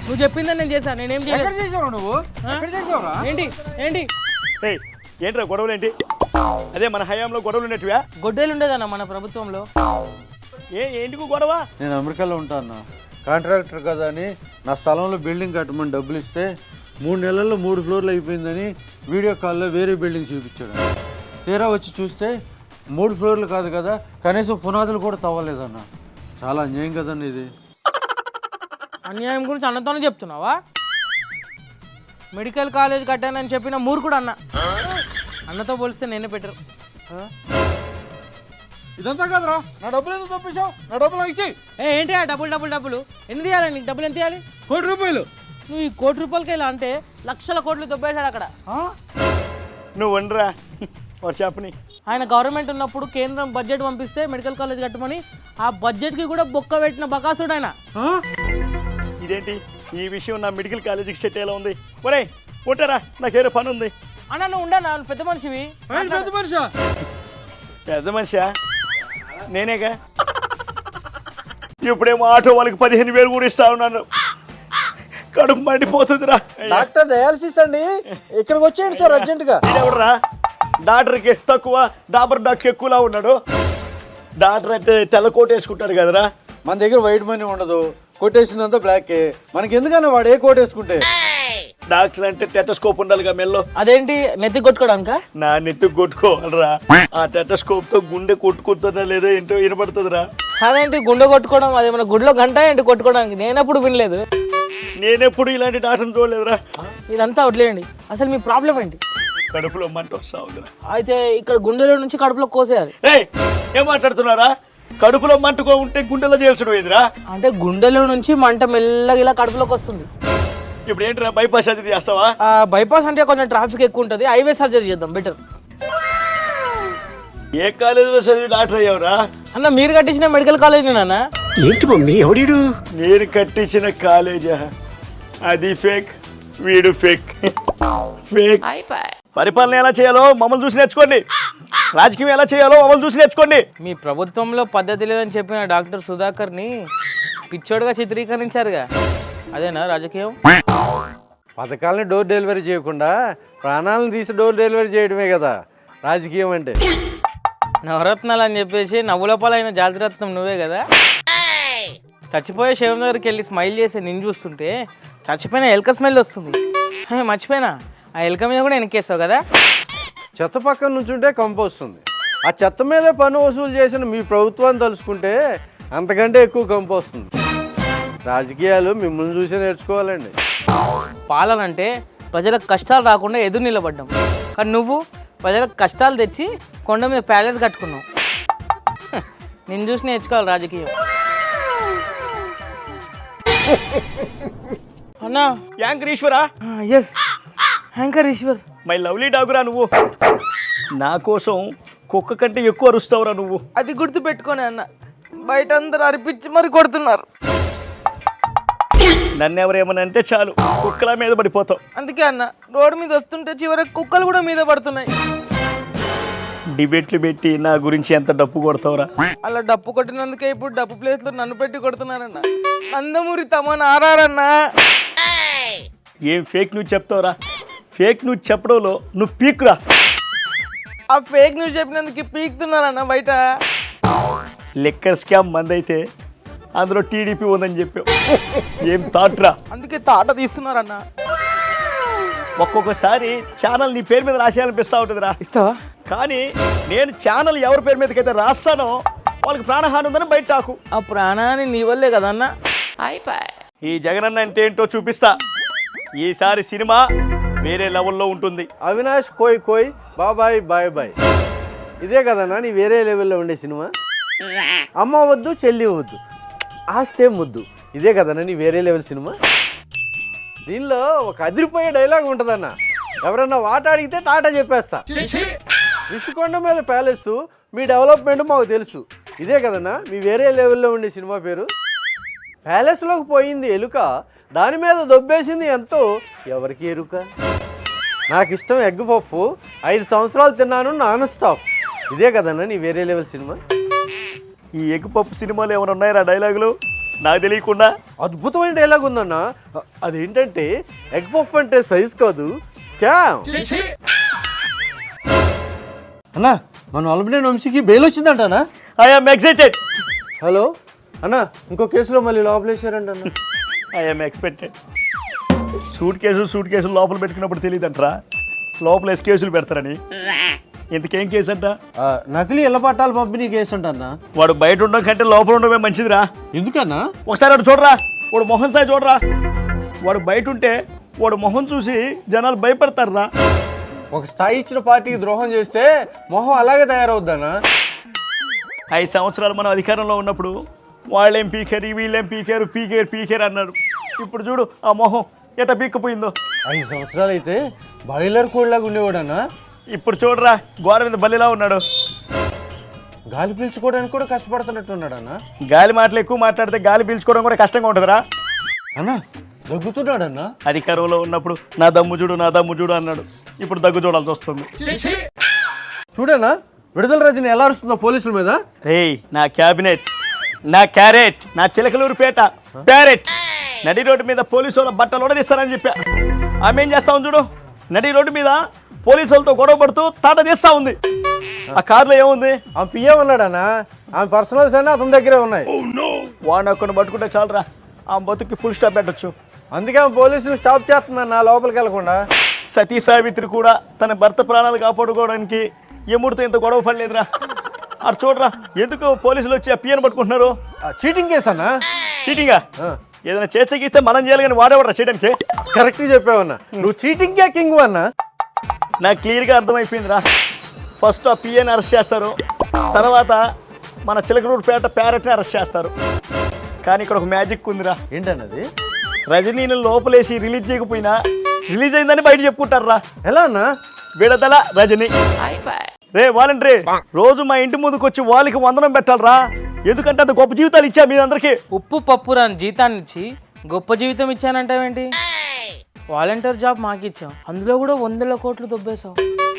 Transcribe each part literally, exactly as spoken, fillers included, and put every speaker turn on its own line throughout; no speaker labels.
నువ్వు చెప్పిందని నేను చేశాను. నేనేం
చేసావు నువ్వు చేసావురా?
ఏంటి ఏంటి
ఏంట్రా గొడవలు ఏంటి? అదే మన హయాంలో గొడవలు ఉన్నట్టువా?
గొడ్డలు ఉండేదన్న మన ప్రభుత్వంలో.
ఏ ఏంటికు గొడవ?
నేను అమెరికాలో ఉంటాను, కాంట్రాక్టర్ కదా అని నా స్థలంలో బిల్డింగ్ కట్టమని డబ్బులు ఇస్తే మూడు నెలల్లో మూడు ఫ్లోర్లు అయిపోయిందని వీడియో కాల్లో వేరే బిల్డింగ్ చూపించాడు. తీరా వచ్చి చూస్తే మూడు ఫ్లోర్లు కాదు కదా, కనీసం పునాదులు కూడా తవ్వలేదన్న. చాలా అన్యాయం కదండి ఇది.
అన్యాయం గురించి అన్నతోనే చెప్తున్నావా? మెడికల్ కాలేజ్ కట్టానని చెప్పిన మూర్ఖుడు అన్న. అన్నతో పోలిస్తే నేనే బెటర్.
ఇదంతా కదరా, నా డబ్బులు ఎందుకు తప్పించావు? నా డబ్బులు ఇచ్చి.
ఏ ఏంటి ఆ డబ్బులు డబ్బులు డబ్బులు ఎన్ని తీయాలి నీకు? డబ్బులు ఎంత తీయాలి?
కోటి రూపాయలు.
నువ్వు ఈ కోటి రూపాయలకి ఇలా అంటే లక్షల కోట్లు దొబ్బేశాడు అక్కడ.
నువ్వు వండరా చెప్పని.
ఆయన గవర్నమెంట్ ఉన్నప్పుడు కేంద్రం బడ్జెట్ పంపిస్తే మెడికల్ కాలేజ్ కట్టమని ఆ బడ్జెట్కి కూడా బొక్క పెట్టిన బకాసుడు ఆయన.
ఇదేంటి ఈ విషయం నా మెడికల్ కాలేజీకి సెట్ ఎలా ఉంది? ఒరే ఉంటారా, నాకేదో పని ఉంది.
అన్న నువ్వు ఉండనా, పెద్ద మనిషివి.
పెద్ద మనిషా?
పెద్ద మనిషా నేనేగా. ఇప్పుడేమో ఆటో వాళ్ళకి పదిహేను వేలు కూడా ఇస్తా ఉన్నాను. కడుపు మండిపోతుందిరా.
డాక్టర్ డయాలసిస్ అండి, ఇక్కడికి వచ్చేయండి సార్ అర్జెంట్ గా.
ఎవడరా డాక్టర్కి తక్కువ, డాబర్ డాక్టర్ ఎక్కువలా ఉన్నాడు. డాక్టర్ అంటే తెల్ల కోట్ వేసుకుంటాడు కదరా.
మన దగ్గర వైట్ మనీ ఉండదు, కొట్టేసిందంతా బ్లాక్. మనకి ఎందుకన్నా వాడు ఏ కోట్ వేసుకుంటే.
డాక్టర్ అంటే టెటస్కోప్ ఉండాలిగా మెల్లో.
అదేంటి నెత్తి కొట్టుకోవడానిక?
నా నెత్తి కొట్టుకోవాలరా. ఆ టెటస్కోప్ తో గుండె కొట్టుకుంటున్నా లేదో ఏంటో వినపడుతుందిరా.
అదేంటి గుండె కొట్టుకోవడం? అది మన గుడిలో గంట ఏంటి కొట్టుకోవడానికి? నేనప్పుడు వినలేదు.
నేనెప్పుడు ఇలాంటి డాక్టర్ని చూడలేదురా.
ఇదంతా వదిలేయండి, అసలు మీ ప్రాబ్లం ఏంటి?
కడుపులో మంట వస్తా ఉందిరా.
అయితే ఇక్కడ గుండెలో నుంచి కడుపులో కోసేయాలి.
ఏయ్ ఏం మాట్లాడుతున్నారా? కడుపులో మంటకో ఉంటే గుండెలో చేయాల్సిన పోయిందిరా.
అంటే గుండెలో నుంచి మంట మెల్లగా ఇలా కడుపులోకి వస్తుంది.
ఇప్పుడు ఏంటిరా బైపాస్ సర్జరీ చేస్తావా?
బైపాస్ అంటే కొంచెం ట్రాఫిక్ ఎక్కువ ఉంటుంది, హైవే సర్జరీ చేద్దాం బెటర్.
ఏ కాలేజీలో చదివి డాక్టర్ అయ్యావురా?
అన్న మీరు కట్టించిన మెడికల్ కాలేజ్ నాన్న.
ఏంటి మమ్మీ ఎవడీడు?
నేను కట్టించిన కాలేజా? అది ఫేక్, వీడు ఫేక్. ఫేక్. పరిపాలన ఎలా చేయాలో మమ్మల్ని చూసి నేర్చుకోండి. రాజకీయం ఎలా చేయాలో మమ్మల్ని చూసి నేర్చుకోండి.
మీ ప్రభుత్వంలో పద్ధతి లేదని చెప్పిన డాక్టర్ సుధాకర్ని పిచ్చోడుగా చిత్రీకరించారుగా, అదేనా రాజకీయం?
పథకాలని డోర్ డెలివరీ చేయకుండా ప్రాణాలను తీసి డోర్ డెలివరీ చేయడమే కదా రాజకీయం అంటే.
నవరత్నాలు అని చెప్పేసి నవ్వులపాలైన జాతిరత్నం నువ్వే కదా. చచ్చిపోయే శవం దగ్గరికి వెళ్ళి స్మైల్ చేసి నిన్ను చూస్తుంటే చచ్చిపోయిన ఎలక స్మెల్ వస్తుంది. మర్చిపోయినా, ఆ ఎలక మీద కూడా వెనకేస్తావు కదా.
చెత్త పక్కన నుంచుంటే కంపు వస్తుంది. ఆ చెత్త మీదే పన్ను వసూలు చేసిన మీ ప్రభుత్వాన్ని తలుచుకుంటే అంతకంటే ఎక్కువ కంపు వస్తుంది. రాజకీయాలు మిమ్మల్ని చూసి నేర్చుకోవాలండి.
పాలన అంటే ప్రజలకు కష్టాలు రాకుండా ఎదురు నిలబడ్డాం, కానీ నువ్వు ప్రజలకు కష్టాలు తెచ్చి కొండ మీద ప్యాలెస్ కట్టుకున్నావు. నిన్ను చూసి నేర్చుకోవాలి రాజకీయం. అన్నా
యాంకర్ ఈశ్వరా?
Yes anchor Eshwar.
My lovely డాగురా నువ్వు. నా కోసం కుక్క కంటే ఎక్కువ అరుస్తావురా నువ్వు.
అది గుర్తు పెట్టుకోనే అన్న, బయట అందరు అరిపించి మరి కొడుతున్నారు.
నన్ను ఎవరేమని అంటే చాలు కుక్కల మీద పడిపోతావు.
అందుకే అన్న రోడ్డు మీద వస్తుంటే చివరికి కుక్కలు కూడా మీద పడుతున్నాయి.
డిబేట్లు పెట్టి నా గురించి ఎంత డప్పు కొడతావురా?
అలా డప్పు కొట్టినందుకే ఇప్పుడు డప్పు ప్లేస్ లో నన్ను పెట్టి కొడుతున్నారన్న. నందమూరి తమన్ ఆరారన్నా.
ఏం ఫేక్ న్యూస్ చెప్తావురా? ఫేక్ న్యూస్ చెప్పడంలో నువ్వు పీక్రా.
ఆ ఫేక్ న్యూస్ చెప్పినందుకు పీకుతున్నారన్న బయట.
లెక్కర్ స్కామ్ మందైతే అందులో టీడీపీ ఉందని చెప్పావు. ఏం తాట్రా?
అందుకే తాట తీస్తున్నారన్న.
ఒక్కొక్కసారి ఛానల్ నీ పేరు మీద రాసేయాలనిపిస్తూ ఉంటుందిరా.
ఇస్తావా?
కానీ నేను ఛానల్ ఎవరి పేరు మీదకైతే రాస్తానో వాళ్ళకి ప్రాణహాని ఉందని బయట టాకు.
ఆ ప్రాణాన్ని నీ వల్లే కదన్న.
ఈ జగనన్న అంటే ఏంటో చూపిస్తా. ఈసారి సినిమా వేరే లెవెల్లో ఉంటుంది.
అవినాష్ కోయ్ కోయ్ బాబాయ్ బాయ్ బాయ్, ఇదే కదన్నా నీ వేరే లెవెల్లో ఉండే సినిమా. అమ్మ వద్దు చెల్లి వద్దు ఆస్తే ముద్దు, ఇదే కదన్నా నీ వేరే లెవెల్ సినిమా. దీనిలో ఒక అదిరిపోయే డైలాగ్ ఉంటుందన్న, ఎవరన్నా వాట అడిగితే టాటా చెప్పేస్తా. రిషికొండ మీద ప్యాలెస్, మీ డెవలప్మెంట్ మాకు తెలుసు, ఇదే కదన్నా మీ వేరే లెవెల్లో ఉండే సినిమా పేరు. ప్యాలెస్లోకి పోయింది ఎలుక, దాని మీద దొబ్బేసింది ఎంతో ఎవరికి ఎరుక. నాకు ఇష్టం ఎగ్ పప్పు, ఐదు సంవత్సరాలు తిన్నాను నాన్ స్టాప్, ఇదే కదన్నా నీ వేరే లెవెల్ సినిమా.
ఈ ఎగ్ పప్పు సినిమాలు ఏమైనా ఉన్నాయా డైలాగులు? నాకు తెలియకుండా
అద్భుతమైన డైలాగ్ ఉందన్న. అదేంటంటే ఎగ్ పఫ్ అంటే సైజ్ కాదు, స్కామ్. అన్నా మన అల్బినేని వంశీకి బెయిల్ వచ్చిందంటనా?
I'm excited.
హలో అన్న, ఇంకో కేసులో మళ్ళీ లోపలేసారంట అన్న.
I'm expected. సూట్ కేసులు సూట్ కేసులు లోపల పెట్టుకున్నప్పుడు తెలియదంటరా లోపల ఎస్ కేసులు పెడతారని. ఇంతకేం కేసు అంట?
ఆ, నకిలీ ఇళ్ళ పట్టాలు పంపిణీ కేసు అంటన్నా.
వాడు బయట ఉండడం కంటే లోపల ఉండడమే మంచిదిరా.
ఎందుకన్నా?
ఒకసారి వాడు చూడరా, వాడు మొహం సాయి చూడరా. వాడు బయట ఉంటే వాడు మొహం చూసి జనాలు భయపడతారురా.
ఒక స్థాయి ఇచ్చిన పార్టీకి ద్రోహం చేస్తే మొహం అలాగే తయారవుద్దన్నా.
ఐదు సంవత్సరాలు మనం అధికారంలో ఉన్నప్పుడు వాళ్ళేం పీకారు వీళ్ళేం పీకారు పీకేరు పీకేరు అన్నారు. ఇప్పుడు చూడు ఆ మొహం ఎట పీక్కపోయిందో.
ఐదు సంవత్సరాలు అయితే బాయిలర్ కోడ్లాగా ఉండేవాడన్నా.
ఇప్పుడు చూడరా గోడ మీద బల్లిలా ఉన్నాడు.
గాలి పీల్చుకోవడానికి కూడా కష్టపడుతున్నట్టున్నాడన్నా.
గాలి మాటలు ఎక్కువ మాట్లాడితే గాలి పీల్చుకోవడం కూడా కష్టంగా ఉంటుందిరా.
అన్నా దగ్గుతున్నాడన్నా.
అధికారంలో ఉన్నప్పుడు నా దమ్ము చూడు నా దమ్ము చూడు అన్నాడు. ఇప్పుడు దగ్గు చూడాల్సి వస్తుంది.
చూడన్నా విడుదల రజని ఎలా అరుస్తుందో పోలీసుల మీద.
రేయ్ నా క్యాబినెట్, నా క్యారెట్, నా చిలకలూరుపేట ప్యారెట్ నడి రోడ్డు మీద పోలీసు వాళ్ళ బట్టలు ఉడదీస్తానని చెప్పా. ఆమె ఏం చేస్తా ఉంది చూడు, నడి రోడ్డు మీద పోలీసు వాళ్ళతో గొడవ పడుతూ తాట తీస్తా ఉంది. ఆ కారులో ఏముంది?
ఆమె పిఏ ఉన్నాడన్నా. ఆమె పర్సనల్స్ అన్నీ అతని దగ్గరే ఉన్నాయి.
వాడిని ఒక్కడిని పట్టుకుంటే చాలరా ఆ బతుకి ఫుల్ స్టాప్ పెట్టచ్చు.
అందుకే ఆమె పోలీసులు స్టాప్ చేస్తుందన్న లోపలికి వెళ్ళకుండా.
సతీ సావిత్రి కూడా తన భర్త ప్రాణాలు కాపాడుకోవడానికి ఎముడితో ఇంత గొడవ పడలేదురా. అటు చూడరా ఎందుకు పోలీసులు వచ్చి ఆ పియ్యను పట్టుకుంటున్నారు.
చీటింగ్ కేసు అన్నా.
చీటింగా? ఏదైనా చేస్తే గీస్తే మనం చేయాలి కానీ వాడేవాడరా చేయడానికి.
కరెక్ట్గా చెప్పావన్నా. నువ్వు చీటింగ్ కే కింగ్ అన్నా.
నాకు క్లియర్గా అర్థమైపోయిందిరా. ఫస్ట్ ఆ పిఏని అరెస్ట్ చేస్తారు, తర్వాత మన చిలకలూరుపేట ప్యారెట్ని అరెస్ట్ చేస్తారు. కానీ ఇక్కడ ఒక మ్యాజిక్ ఉందిరా.
ఏంటన్నది?
రజనీని లోపలేసి రిలీజ్ చేయకపోయినా రిలీజ్ అయిందని బయట చెప్పుకుంటారా.
ఎలా అన్నా?
విడదల రజనీ. రే వాలంటరీ రోజు మా ఇంటి ముందుకు వచ్చి వాళ్ళకి వందనం పెట్టాలరా. ఎందుకంటే అంత గొప్ప జీవితాలు ఇచ్చా మీ అందరికి.
ఉప్పు పప్పు రాని జీతాన్ని ఇచ్చి గొప్ప జీవితం ఇచ్చానంటావేంటి? వాలంటీర్ జాబ్ మాకు ఇచ్చావు, అందులో కూడా వందల కోట్లు దొబ్బేశావు.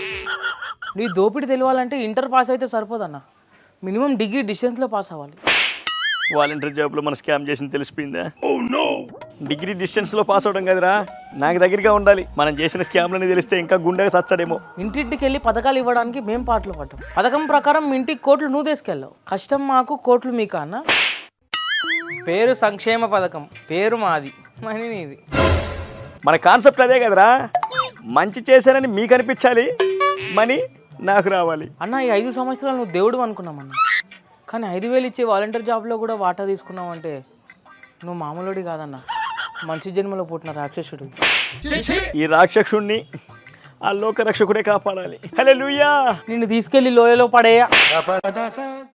నీ దోపిడి తెలియాలంటే ఇంటర్ పాస్ అయితే సరిపోదన్న, మినిమం డిగ్రీ డిస్టెన్స్లో పాస్ అవ్వాలి.
వాలంటీర్ జాబ్లో మన స్కామ్ చేసింది తెలిసిపోయిందా? డిగ్రీ డిస్టెన్స్లో పాస్ అవడం కదరా, నాకు దగ్గరగా ఉండాలి. మనం చేసిన స్కామ్లని తెలిస్తే ఇంకా గుండెగా సచ్చాడేమో.
ఇంటింటికి వెళ్ళి పథకాలు ఇవ్వడానికి మేము పాటలు పడ్డాం. పథకం ప్రకారం మీ ఇంటికి కోట్లు నువ్వు తీసుకెళ్ళావు, కష్టం మాకు కోట్లు మీకు అన్న. పేరు సంక్షేమ పథకం, పేరు మాది, మనీ నీది.
మన కాన్సెప్ట్ అదే కదరా, మంచి చేశానని మీకు అనిపించాలి, మనీ నాకు రావాలి.
అన్న ఈ ఐదు సంవత్సరాలు నువ్వు దేవుడు అనుకున్నామన్న, కానీ ఐదు వేలు ఇచ్చే వాలంటీర్ జాబ్లో కూడా వాటా తీసుకున్నావు అంటే నువ్వు మామూలుడి కాదన్న, మంచి జన్మలో పుట్టిన రాక్షసుడు.
ఈ రాక్షసుడిని ఆ లోక రక్షకుడే కాపాడాలి. హల్లెలూయా.
నిన్ను తీసుకెళ్లి లోయలో పడేయ.